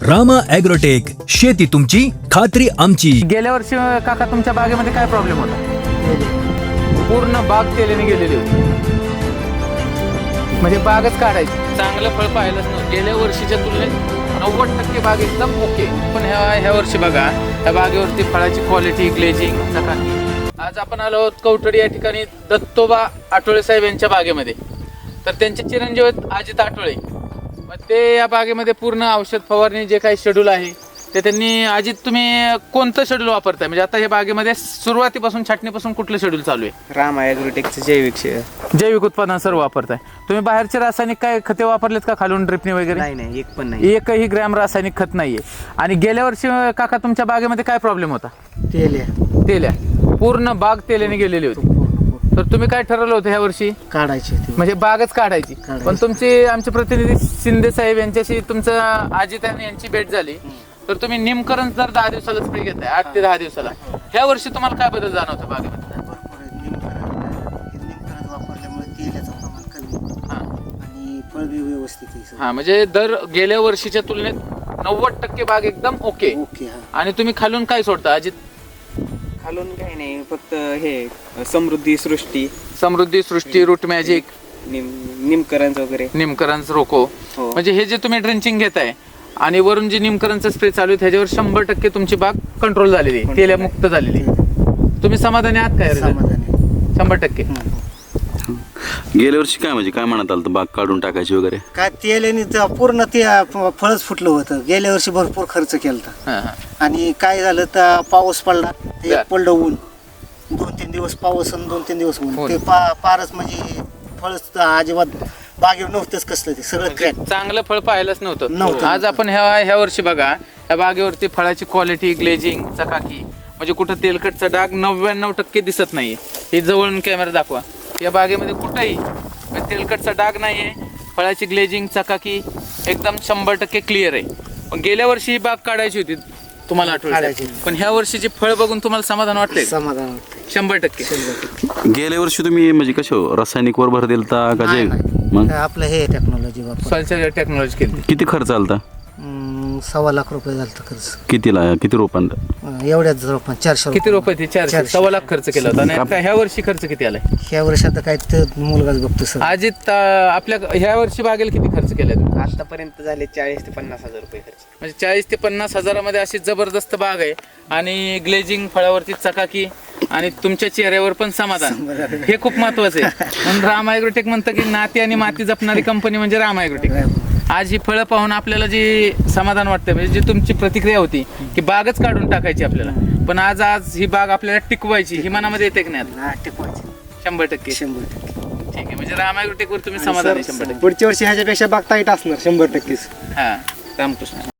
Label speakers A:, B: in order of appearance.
A: Rama agrotech, शेती तुमची, खात्री आमची.
B: गेल्या वर्षी काका तुमच्या बागेमध्ये काय प्रॉब्लेम होता? पूर्ण बाग तेलाने गेलेली होती, म्हणजे बागच काढायची. चांगलं फळ पाहिलंच नव्हतं. गेल्या वर्षीच्या तुलनेत 90% बाग एकदम ओके. पण ह्या वर्षी बघा, त्या बागेवरती फळाची क्वालिटी, ग्लेजिंग, चकाकी. आज आपण आलो आहोत कवठडी या ठिकाणी दत्तोबा आठवळे साहेब यांच्या बागेमध्ये. तर त्यांचे चिरंजीव आहेत अजित आठवळे. मग ते या बागेमध्ये पूर्ण औषध फवारणी जे काही शेड्यूल आहे ते त्यांनी. अजित, तुम्ही कोणतं शेड्यूल वापरताय? म्हणजे आता हे बागेमध्ये सुरुवातीपासून छाटणीपासून कुठलं शेड्यूल चालू आहे?
C: रामा ॲग्रोटेकचं जैविक
B: उत्पादन सर्व वापरताय तुम्ही. बाहेरचे रासायनिक काय खते वापरलेत का खालून ड्रिपने वगैरे?
C: नाही, एक पण नाही.
B: एकही ग्रॅम रासायनिक खत नाहीये. आणि गेल्या वर्षी काका तुमच्या बागेमध्ये काय प्रॉब्लेम होता? तेल्या पूर्ण बाग तेल्याने गेलेली होती. तर तुम्ही काय ठरवलं होतं ह्या वर्षी?
D: काढायची,
B: म्हणजे बागच काढायची. पण तुमचे आमचे प्रतिनिधी शिंदे साहेब यांच्याशी तुमचं अजित यांची भेट झाली. तर तुम्ही निमकरण जर 10 दिवसाला स्प्रे घेताय, 8 ते 10 दिवसाला, ह्या वर्षी तुम्हाला काय बदल जाणवतो बागेमध्ये?
D: निमकरण वापरल्यामुळे तेलाचं प्रमाण कमी आणि फळ बी व्यवस्थित आहे.
B: हा, म्हणजे दर गेल्या वर्षीच्या तुलनेत 90% बाग एकदम ओके. आणि तुम्ही खालून काय सोडता अजित?
C: खालून काही नाही, फक्त हे समृद्धी सृष्टी, रूट मॅजिक, निमकरंज वगैरे,
B: निमकरंज रोको.
C: हो.
B: म्हणजे हे जे तुम्ही ड्रेंचिंग घेताय आणि वरून जे निमकरणचा स्प्रे चालू आहे त्याच्यावर 100% तुमची बाग कंट्रोल झालेली, तेलमुक्त झालेली. तुम्ही समाधानी आहात काय? 100%.
E: गेल्या वर्षी काय म्हणजे काय म्हणत आलं बाग काढून टाकायची वगैरे?
D: काय तेलाने पूर्ण ते फळच फुटलं होतं. गेल्या वर्षी भरपूर खर्च केला आणि काय झालं तर पाऊस पडला, ते पडलं ऊन, 2-3 दिवस पाऊस आणि 2-3 दिवस ऊन. ते फारच म्हणजे फळच अजिबात बागेवर नव्हतंच कसलं, ते सगळं क्रॅक.
B: चांगलं फळ पाहायलाच नव्हतं. आज आपण ह्या वर्षी बघा, या बागेवरती फळाची क्वालिटी, ग्लेजिंग, चकाकी, म्हणजे कुठं तेलकटचा डाग 99% दिसत नाहीये. हे जवळून कॅमेरा दाखवा. या बागेमध्ये कुठंही तेलकटचा डाग नाहीये. फळाची ग्लेजिंग, चकाकी एकदम 100% क्लिअर आहे. पण गेल्या वर्षी ही बाग काढायची होती तुम्हाला आठवण, पण ह्या वर्षीची फळ बघून तुम्हाला समाधान वाटतंय?
D: समाधान वाटतं
B: 100%.
E: गेल्या वर्षी तुम्ही म्हणजे कसं रासायनिक वर भर दिलता का? जे मग
D: आपलं हे टेक्नॉलॉजी वापर.
B: सॉइल टेक्नॉलॉजी केली.
E: किती खर्च आलता?
D: 1.25 लाख रुपये झालं खर्च.
E: किती रोपांना?
D: एवढ्याच रोपां 400.
B: किती रुपये? 400. 1.25 लाख खर्च केला होता. आणि आता ह्या वर्षी खर्च किती आलाय?
D: ह्या वर्षी आता काय ते मुलगाच बघतो सर.
B: अजित, आपल्या ह्या वर्षी बागेला किती खर्च केलाय?
C: आतापर्यंत झाले 40 ते 50 हजार रुपये खर्च.
B: म्हणजे 40 ते 50 हजारामध्ये अशी जबरदस्त बाग आहे. आणि ग्लेजिंग, फळावरती चकाकी आणि तुमच्या चेहऱ्यावर पण समाधान, हे खूप महत्वाचं आहे. म्हणून रामा ॲग्रोटेक म्हणतं की नाती आणि माती जपणारी कंपनी म्हणजे रामा ॲग्रोटेक. आज ही फळं पाहून आपल्याला जे समाधान वाटतं, म्हणजे जी तुमची प्रतिक्रिया होती की बागच काढून टाकायची आपल्याला, पण आज ही बाग आपल्याला टिकवायची, ही मनामध्ये येते की नाही?
D: टिकवायची
B: 100%.
D: 100%.
B: ठीक आहे, म्हणजे रामा ॲग्रोटेकवर तुम्ही समाधान आहे 100%.
D: पुढच्या वर्षी ह्याच्यापेक्षा बाग टाईट असणार 100%.
B: हा, रामकृष्ण.